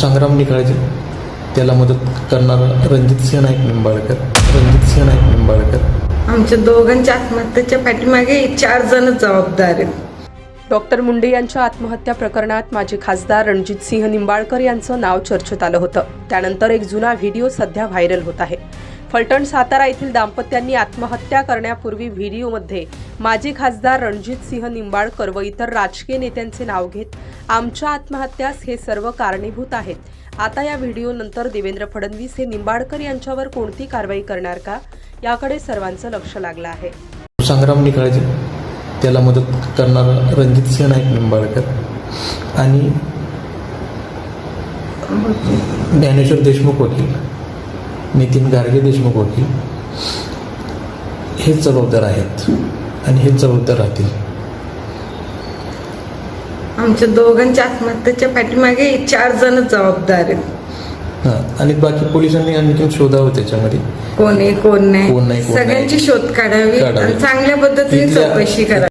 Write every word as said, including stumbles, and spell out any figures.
संग्राम निकाळजे, त्याला मदत करणारा रणजित सिंह नाईक निंबाळकर रणजित सिंह नाईक निंबाळकर आमच्या दोघांच्या आत्महत्येच्या पाठीमागे चार जण जबाबदार आहेत. डॉक्टर मुंडे यांच्या आत्महत्या प्रकरणात माजी खासदार रणजित सिंह निंबाळकर यांचं नाव चर्चेत आलं होतं. त्यानंतर एक जुना व्हिडिओ सध्या व्हायरल होत आहे. फलटण सातारा येथील दाम्पत्यांनी आत्महत्या करण्यापूर्वी व्हिडिओमध्ये माजी खासदार रणजित सिंह निंबाळकर व इतर राजकीय नेत्यांचे नाव घेत आमच्या आत्महत्यास हे सर्व कारणीभूत आहेत. आता या व्हिडिओनंतर देवेंद्र फडणवीस हे निंबाळकर यांच्यावर कोणती कारवाई करणार का, याकडे सर्वांचं लक्ष लागलं आहे. संग्राम निकाळजे, त्याला मदत करणारा रणजित सिंह नाईक निंबाळकर आणि ज्ञानेश्वर देशमुख वकील, नितीन गार्गे देशमुख वकील हेच जबाबदार आहेत आणि हेच जबाबदार राहतील. आमच्या दोघांच्या आत्महत्येच्या पाठीमागे चार जण जबाबदार आहेत. हां, आणि बाकी पोलिसांनी आणखी शोधावं त्याच्यामध्ये कोण आहे कोण कोण नाही नाही, कोण नाही. सगळ्यांची शोध काढावी काढावी. आणि चांगल्या पद्धतीने तिथल्या- चौकशी करावी.